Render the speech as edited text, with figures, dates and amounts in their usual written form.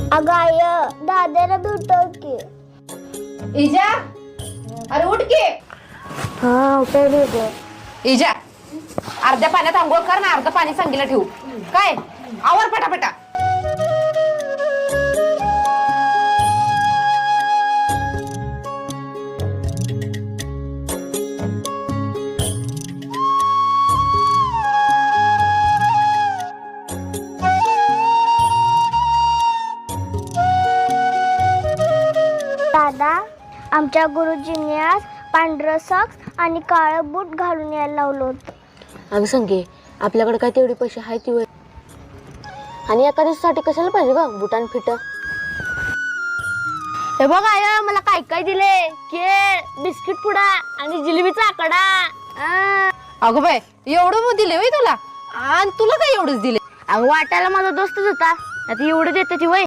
अगं आय दादाला भेटव की. इजा अरे उठ की. हा उठवली ग. इजा अर्ध्या पाण्यात आंघोळ कर ना, अर्ध पाणी सांगीला ठेवू काय. आवर पटापटा. दादा आमच्या गुरुजींनी आज पांढरं सॉक्स आणि काळं बूट घालून यायला लावलं होतं. अगं संगे आपल्याकडे काय तेवढे पैसे आहेत ती आणि एका दिवसासाठी कशाला पाहिजे ग बुटान फिट. हे बघ आय मला काय काय दिले. केळ, बिस्किट पुडा आणि जिलेबीचा आकडा. अगं बाय एवढं दिले होय तुला, आणि तुला काय एवढंच दिले. अगं वाटायला माझा दोस्तच होता, आता एवढं देते ती वय.